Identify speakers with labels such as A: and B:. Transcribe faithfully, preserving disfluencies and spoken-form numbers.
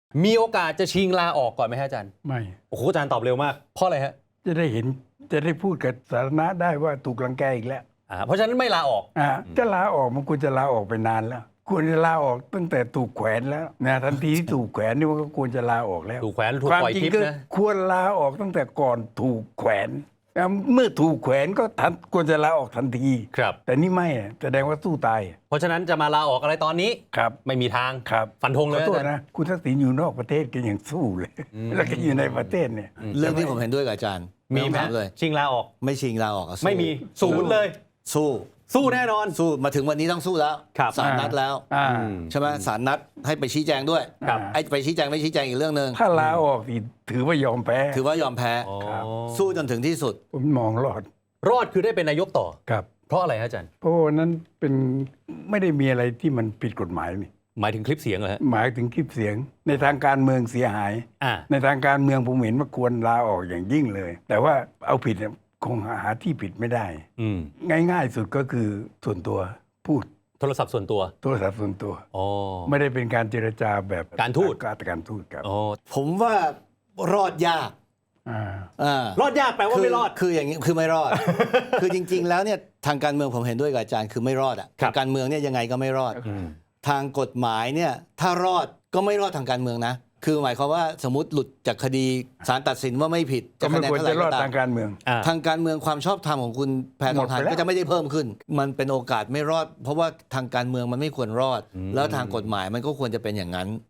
A: มีโอกาสจะชิงลาออกก่อนไหมฮะอาจารย์
B: ไม่
A: โอ้โหอาจารย์ตอบเร็วมากเพราะอะไรฮะ
B: จะได้เห็นจะได้พูดกับสาธารณะได้ว่าถูกรังแกอีกแล้ว
A: อ่าเพราะฉะนั้นไม่ลาออก
B: อ่าจะลาออกมันควรจะลาออกไปนานแล้วควรจะลาออกตั้งแต่ถูกแขวนแล้วนะทันทีที่ถูกแขวนนี่มันก็ควรจะลาออกแล้ว
A: ถูกแขวนถูกปล่อยทิพย์นะ
B: ควรลาออกตั้งแต่ก่อนถูกแขวนเมื่อถูกแขวนก็ทันควรจะลาออกทันที
A: ครับ
B: แต่นี่ไม่แสดงว่าสู้ตาย
A: เพราะฉะนั้นจะมาลาออกอะไรตอนนี้
B: ครับ
A: ไม่มีทาง
B: ครับ
A: ฟันธงเลย
B: ขอโทษนะคุณทักษิณอยู่นอกประเทศก็ยังสู้เลยแล้วก็อยู่ในประเทศเนี่ย
C: เรื่องที่ผมเห็นด้วยกับอาจารย์
A: มีไหม
C: เลย
A: ชิงลาออก
C: ไม่ชิงลาออก
A: ไม่มีศูนย์เลย
C: สู้
A: สู้แน่นอน
C: สู้มาถึงวันนี้ต้องสู้แล้วศาลนัดแล้วใช่ไหมศาลนัดให้ไปชี้แจงด้วยไอ้ไปชี้แจงไม่ชี้แจงอีกเรื่องนึง
B: ถ้าลาออกถือว่ายอมแพ้
C: ถือว่ายอมแพ้สู้จนถึงที่สุด
B: ผมมองรอด
A: รอดคือได้เป็นนายกต่อ
B: ครับ
A: เพราะอะไรฮะอาจารย์
B: เพราะนั้นเป็นไม่ได้มีอะไรที่มันผิดกฎหมายนี่
A: หมายถึงคลิปเสียงเหรอฮะ
B: หมายถึงคลิปเสียงในทางการเมืองเสียหายในทางการเมืองผมเห็นว่าควรลาออกอย่างยิ่งเลยแต่ว่าเอาผิดคงหาที่ผิดไม่ได้ง่ายๆสุดก็คือส่วนตัวพูด
A: โทรศัพท์ส่วนตัว
B: โทรศัพท์ส่วนตัวไม่ได้เป็นการเจรจาแบบ
A: การทูต
B: การการทูตครับ
C: ผมว่ารอดยาก
A: รอดยากแปลว่าไม่รอด
C: คืออย่างนี้คือไม่รอด คือจริงๆแล้วเนี่ยทางการเมืองผมเห็นด้วยกับอาจารย์คือไม่รอดอ่ะการเมืองเนี่ยยังไงก็ไม่รอดทางกฎหมายเนี่ยถ้ารอดก็ไม่รอดทางการเมืองนะคือหมายความว่าสมมติหลุดจากคดีศาลตัดสินว่าไม่ผิด
B: จะคะแนนเท่าไหร่ก็ตามทางการเมือง
C: ทางการเมืองความชอบธรรมของคุณแพทองทานก็จะไม่ได้เพิ่มขึ้นมันเป็นโอกาสไม่รอดเพราะว่าทางการเมืองมันไม่ควรรอดแล้วทางกฎหมายมันก็ควรจะเป็นอย่างนั้น